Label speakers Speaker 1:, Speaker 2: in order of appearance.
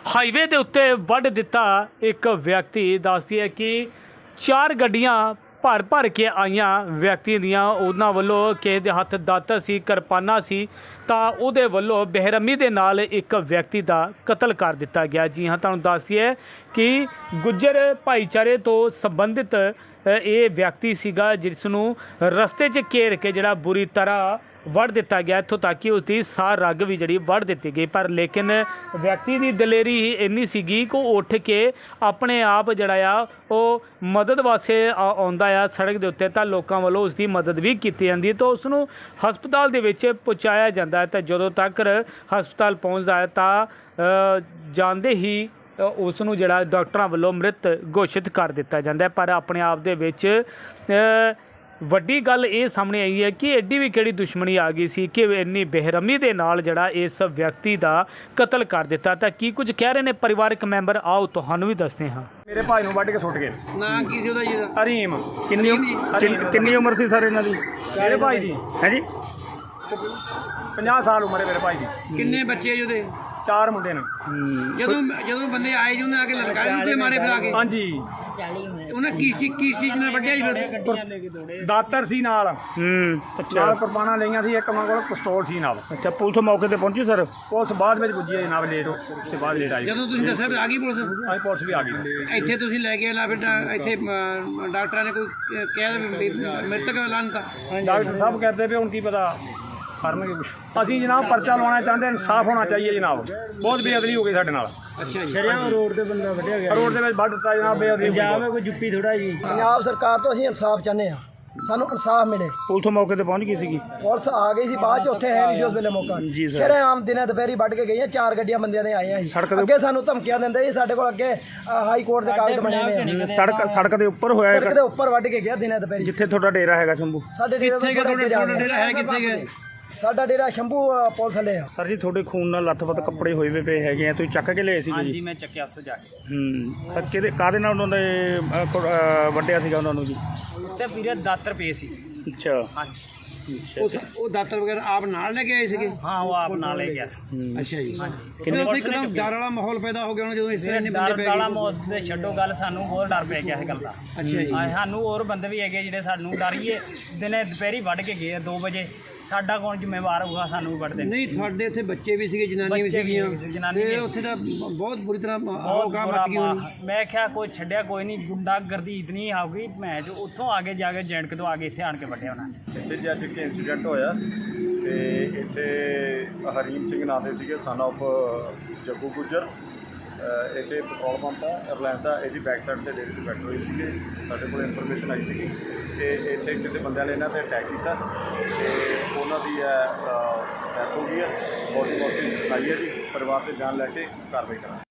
Speaker 1: Highway ਦੇ ਉੱਤੇ ਵੱਢ ਦਿੱਤਾ ਇੱਕ ਵਿਅਕਤੀ। ਦੱਸਦੀ ਹੈ ਕਿ 4 ਗੱਡੀਆਂ ਭਰ ਭਰ ਕੇ ਆਈਆਂ ਵਿਅਕਤੀ ਦੀਆਂ, ਉਹਨਾਂ ਵੱਲੋਂ ਕਿਸੇ ਦੇ ਹੱਥ ਦਾਤਰ ਸੀ, ਕਿਰਪਾਨਾਂ ਸੀ, ਤਾਂ ਉਹਦੇ ਵੱਲੋਂ ਬੇਰਹਿਮੀ ਦੇ ਨਾਲ ਇੱਕ ਵਿਅਕਤੀ ਦਾ ਕਤਲ ਕਰ ਦਿੱਤਾ ਗਿਆ। ਜੀ ਹਾਂ, ਤੁਹਾਨੂੰ ਦੱਸੀਏ ਕਿ ਗੁੱਜਰ ਭਾਈਚਾਰੇ ਤੋਂ ਸੰਬੰਧਿਤ ਇਹ ਵਿਅਕਤੀ ਸੀਗਾ, ਜਿਸ ਨੂੰ ਰਸਤੇ 'ਚ ਘੇਰ ਕੇ ਜਿਹੜਾ ਬੁਰੀ ਤਰ੍ਹਾਂ ਵੱਢ ਦਿੱਤਾ ਗਿਆ, ਇੱਥੋਂ ਤੱਕ ਕਿ ਉਸਦੀ ਸਾਹ ਰਗ ਵੀ ਜਿਹੜੀ ਵੱਢ ਦਿੱਤੀ ਗਈ। ਪਰ ਲੇਕਿਨ ਵਿਅਕਤੀ ਦੀ ਦਲੇਰੀ ਹੀ ਇੰਨੀ ਸੀਗੀ ਕਿ ਉਹ ਉੱਠ ਕੇ ਆਪਣੇ ਆਪ ਜਿਹੜਾ ਆ ਉਹ ਮਦਦ ਵਾਸਤੇ ਆਉਂਦਾ ਆ ਸੜਕ ਦੇ ਉੱਤੇ, ਤਾਂ ਲੋਕਾਂ ਵੱਲੋਂ ਉਸਦੀ ਮਦਦ ਵੀ ਕੀਤੀ ਜਾਂਦੀ ਹੈ, ਤਾਂ ਉਸ ਨੂੰ ਹਸਪਤਾਲ ਦੇ ਵਿੱਚ ਪਹੁੰਚਾਇਆ ਜਾਂਦਾ ਹੈ। ਤਾਂ ਜਦੋਂ ਤੱਕ ਹਸਪਤਾਲ ਪਹੁੰਚਦਾ ਹੈ ਤਾਂ ਜਾਂਦੇ ਹੀ ਉਸ ਨੂੰ ਜਿਹੜਾ ਡਾਕਟਰਾਂ ਵੱਲੋਂ ਮ੍ਰਿਤ ਘੋਸ਼ਿਤ ਕਰ ਦਿੱਤਾ ਜਾਂਦਾ ਹੈ। ਪਰ ਆਪਣੇ ਆਪ ਦੇ ਵਿੱਚ ਵੱਡੀ ਗੱਲ ਇਹ ਸਾਹਮਣੇ ਆਈ ਹੈ ਕਿ ਐਡੀ ਵੀ ਕਿਹੜੀ ਦੁਸ਼ਮਣੀ ਆ ਗਈ ਸੀ ਕਿ ਇੰਨੀ ਬੇਰਹਿਮੀ ਦੇ ਨਾਲ ਜਿਹੜਾ ਇਸ ਵਿਅਕਤੀ ਦਾ ਕਤਲ ਕਰ ਦਿੱਤਾ। ਤਾਂ ਕੀ ਕੁਝ ਕਹਿ ਰਹੇ ਨੇ ਪਰਿਵਾਰਕ ਮੈਂਬਰ, ਆਓ ਤੁਹਾਨੂੰ ਵੀ ਦੱਸਦੇ ਹਾਂ।
Speaker 2: ਮੇਰੇ ਭਾਈ ਨੂੰ ਵੱਢ ਕੇ ਸੁੱਟ ਗਏ।
Speaker 3: ਨਾਂ ਕੀ ਸੀ ਉਹਦਾ ਜੀ?
Speaker 2: ਹਰੀਮ।
Speaker 4: ਕਿੰਨੀ ਉਮਰ ਸੀ ਸਰ ਇਹਨਾਂ ਦੀ?
Speaker 2: ਮੇਰੇ ਭਾਈ ਦੀ
Speaker 4: ਹੈ ਜੀ
Speaker 2: 50 ਸਾਲ ਉਮਰ ਹੈ ਮੇਰੇ ਭਾਈ ਦੀ।
Speaker 3: ਕਿੰਨੇ ਬੱਚੇ ਜੀ ਉਹਦੇ?
Speaker 2: 4 ਮੁੰਡੇ ਨੇ।
Speaker 3: ਜਦੋਂ ਬੰਦੇ ਆਏ ਜੀ ਉਹਨੇ ਆ ਕੇ ਲਲਕਾਰੇ ਉੱਤੇ ਮਾਰੇ ਫਿਰ ਆ ਕੇ?
Speaker 2: ਹਾਂਜੀ।
Speaker 3: ਉਹਨਾਂ ਕੀ ਚੀਜ਼ ਨਾਲ ਵੱਢਿਆ ਜੀ ਫਿਰ?
Speaker 2: ਦਾਤਰ ਸੀ ਨਾਲ,
Speaker 4: ਅੱਛਾ
Speaker 2: ਨਾਲ ਕੁਰਬਾਨਾਂ ਲਈਆਂ ਸੀ, ਇੱਕ ਉਹਨਾਂ ਕੋਲ ਪਿਸਤੌਲ ਸੀ ਨਾਲ।
Speaker 4: ਅੱਛਾ, ਪੁਲਿਸ ਮੌਕੇ ਤੇ ਪਹੁੰਚੀ ਸਰ?
Speaker 2: ਪੁਲਿਸ ਬਾਅਦ ਵਿੱਚ ਪੁੱਜੀ ਹੈ ਜਨਾਬ, ਲੇਟ ਉਸ ਤੋਂ ਬਾਅਦ ਲੇਟ ਆਈ।
Speaker 3: ਜਦੋਂ ਤੁਸੀਂ ਦੱਸਿਆ ਫਿਰ ਆ ਗਈ ਪੁਲਿਸ?
Speaker 2: ਅੱਜ ਪੁਲਿਸ ਵੀ ਆ ਗਈ।
Speaker 3: ਇੱਥੇ ਤੁਸੀਂ ਲੈ ਕੇ ਆਲਾ ਫਿਰ ਇੱਥੇ ਡਾਕਟਰਾਂ ਨੇ ਕੋਈ ਕਿਹਾ ਵੀ ਮ੍ਰਿਤਕ ਐਲਾਨ ਦਿੱਤਾ?
Speaker 2: ਡਾਕਟਰ ਸਾਹਿਬ ਕਹਿੰਦੇ ਵੀ ਹੁਣ ਕੀ ਪਤਾ ਕਰਨਗੇ ਕੁਛ। ਅਸੀਂ ਜਨਾਬ ਪਰਚਾ ਲਵਾਉਣਾ ਚਾਹੁੰਦੇ, ਇਨਸਾਫ ਹੋਣਾ ਚਾਹੀਏ ਜਨਾਬ। ਬਹੁਤ ਬੇਅਦਬੀ ਹੋ ਗਈ ਸਾਡੇ ਨਾਲ।
Speaker 3: ਅੱਛਾ ਜੀ।
Speaker 4: ਸ਼ਰਿਆਮ ਰੋਡ ਤੇ ਬੰਦਾ ਵੱਢਿਆ ਗਿਆ,
Speaker 2: ਰੋਡ ਦੇ ਵਿੱਚ ਵੱਢ ਦਿੱਤਾ ਜਨਾਬ, ਬੇਅਦਬੀ।
Speaker 4: ਪੰਜਾਬ ਹੈ ਕੋਈ ਜੁੱਪੀ ਥੋੜਾ ਜੀ।
Speaker 5: ਪੰਜਾਬ ਸਰਕਾਰ ਤੋਂ ਅਸੀਂ ਇਨਸਾਫ ਚਾਹੁੰਦੇ ਹਾਂ, ਸਾਨੂੰ ਇਨਸਾਫ ਮਿਲੇ।
Speaker 4: ਪੁਲਿਸ ਮੌਕੇ ਤੇ ਪਹੁੰਚ ਗਈ ਸੀਗੀ?
Speaker 5: ਪੁਲਿਸ ਆ ਗਈ ਸੀ ਬਾਅਦ ਚ, ਉੱਥੇ ਹੈ ਨਹੀਂ ਸੀ ਉਸ ਵੇਲੇ ਮੌਕਾ।
Speaker 4: ਜੀ ਸਰ।
Speaker 5: ਸ਼ਰੇਆਮ ਦਿਨੇ ਦੁਪਹਿਰੀ ਵੱਢ ਕੇ ਗਈਆਂ, 4 ਗੱਡੀਆਂ ਬੰਦਿਆਂ ਦੇ ਆਈਆਂ ਸੀ। ਅੱਗੇ ਸਾਨੂੰ ਧਮਕੀਆਂ ਦਿੰਦੇ ਸੀ, ਸਾਡੇ ਕੋਲ ਅੱਗੇ ਹਾਈ ਕੋਰਟ ਦੇ ਕਾਗਜ਼ ਬਣੇ ਹੋਏ ਆ।
Speaker 4: ਸੜਕ ਦੇ ਉੱਪਰ ਹੋਇਆ?
Speaker 5: ਸੜਕ ਦੇ ਉੱਪਰ ਵੱਢ ਕੇ ਗਿਆ ਦਿਨੇ ਦੁਪਹਿਰੀ।
Speaker 4: ਜਿੱਥੇ ਤੁਹਾਡਾ ਡੇਰਾ ਹੈਗਾ ਸ਼ੰਭੂ?
Speaker 5: ਸਾਡੇ ਡੇਰੇ ਤੋਂ ਥੋੜ੍ਹਾ ਅੱਗੇ ਜਾ ਕੇ
Speaker 3: ਹੈ ਕਿੱਥੇ ਗਏ?
Speaker 5: ਸਾਡਾ ਡੇਰਾ ਸ਼ੰਭੂ ਪੁਲਿਸ ਥੱਲੇ ਆ।
Speaker 4: ਸਰ ਜੀ, ਤੁਹਾਡੇ ਖੂਨ ਨਾਲ ਲੱਥ-ਪੱਥ ਕੱਪੜੇ ਹੋਏ ਵੇ ਪਏ ਹੈਗੇ ਆ, ਤੁਸੀਂ ਚੱਕ ਕੇ ਲਏ ਸੀਗੇ ਜੀ?
Speaker 1: ਹਾਂਜੀ, ਮੈਂ ਚੱਕਿਆ ਉੱਥੇ ਜਾ ਕੇ।
Speaker 4: ਤਾਂ ਕਾਹਦੇ ਨਾਲ ਉਹਨਾਂ ਨੇ ਵੱਢਿਆ ਸੀਗਾ ਉਹਨਾਂ ਨੂੰ ਜੀ?
Speaker 1: ਉੱਤੇ ਵੀਰੇ ਦਾਤਰ ਪਏ ਸੀ।
Speaker 4: ਅੱਛਾ।
Speaker 1: ਹਾਂਜੀ।
Speaker 3: ਉਹ ਦਾਤਰ ਵਗੈਰਾ ਆਪ ਨਾਲ ਲੈ ਕੇ ਆਏ ਸੀਗੇ?
Speaker 1: ਹਾਂ, ਉਹ ਆਪ ਨਾਲ ਲੈ ਗਿਆ ਸੀ।
Speaker 3: ਅੱਛਾ ਜੀ। ਕਿੰਨੇ ਉੱਥੇ ਇੱਕਦਮ ਡਰ ਵਾਲਾ ਮਾਹੌਲ ਪੈਦਾ ਹੋ ਗਿਆ ਹੁਣ ਜਦੋਂ ਇਸ ਤਰ੍ਹਾਂ ਇੰਨੇ ਬੰਦੇ
Speaker 1: ਡਰ
Speaker 3: ਪੈ
Speaker 1: ਵਾਲਾ
Speaker 3: ਗਏ?
Speaker 1: ਮੌਤ ਦੇ ਛੱਡੋ ਗੱਲ, ਸਾਨੂੰ ਹੋਰ ਡਰ ਪੈ ਗਿਆ ਇਸ ਗੱਲ ਦਾ।
Speaker 3: ਅੱਛਾ ਜੀ।
Speaker 1: ਸਾਨੂੰ ਹੋਰ ਬੰਦੇ ਵੀ ਹੈਗੇ ਜਿਹੜੇ ਸਾਨੂੰ ਡਰੀਏ, ਦਿਨੇ ਦੁਪਹਿਰੀ ਵੱਢ ਕੇ ਗਏ 2 ਵਜੇ। ਸਾਡਾ ਕੌਣ ਜ਼ਿੰਮੇਵਾਰ ਹੋਊਗਾ ਸਾਨੂੰ ਵੀ ਵੱਢਦੇ?
Speaker 3: ਨਹੀਂ, ਤੁਹਾਡੇ ਇੱਥੇ ਬੱਚੇ ਵੀ ਸੀਗੇ, ਜਨਾਨੀਆਂ ਵੀ ਸੀਗੀਆਂ, ਤੇ ਉੱਥੇ ਤਾਂ ਬਹੁਤ ਬੁਰੀ ਤਰ੍ਹਾਂ ਹੋਗਾ ਮੱਚ ਗਈ ਹੋਣੀ।
Speaker 1: ਮੈਂ ਕਿਹਾ ਕੋਈ ਛੱਡਿਆ ਕੋਈ ਨਹੀਂ, ਗੁੰਡਾਗਰਦੀ ਇਤਨੀ ਆ ਗਈ, ਮੈਂ ਜੋ ਉੱਥੋਂ ਆ ਕੇ ਜਾ ਕੇ ਜੈਂਟਕ ਤੋਂ ਆ ਕੇ ਇੱਥੇ ਆਣ ਕੇ ਵੱਢਿਆ ਉਹਨਾਂ ਨੇ।
Speaker 6: ਇੱਥੇ ਜੀ ਅੱਜ ਇੱਕ ਇੰਸੀਡੈਂਟ ਹੋਇਆ ਤੇ ਇੱਥੇ ਹਰੀਮ ਸਿੰਘ ਨਾਂ ਦੇ ਸੀਗੇ, ਸਨ ਆਫ ਜੱਗੂ ਗੁੱਜਰ। ਇੱਥੇ ਪੈਟਰੋਲ ਪੰਪ ਆ ਰਿਲਾਇੰਸ ਦਾ, ਇਹਦੀ ਬੈਕ ਸਾਈਡ 'ਤੇ ਡੇਰੇ 'ਤੇ ਬੈਠੇ ਹੋਏ ਸੀਗੇ। ਸਾਡੇ ਕੋਲ ਇਨਫੋਰਮੇਸ਼ਨ ਆਈ ਸੀਗੀ ਕਿ ਇੱਥੇ ਕਿਸੇ ਬੰਦਿਆਂ ਨੇ ਇਹਨਾਂ 'ਤੇ ਅਟੈਕ ਕੀਤਾ ਤੇ ਉਹਨਾਂ ਦੀ ਡੈਥ ਹੋ ਗਈ ਹੈ। ਬੋਡੀ ਆਈ ਹੈ ਜੀ, ਪਰਿਵਾਰ 'ਤੇ ਬਿਆਨ ਲੈ ਕੇ ਕਾਰਵਾਈ ਕਰਾਂਗੇ।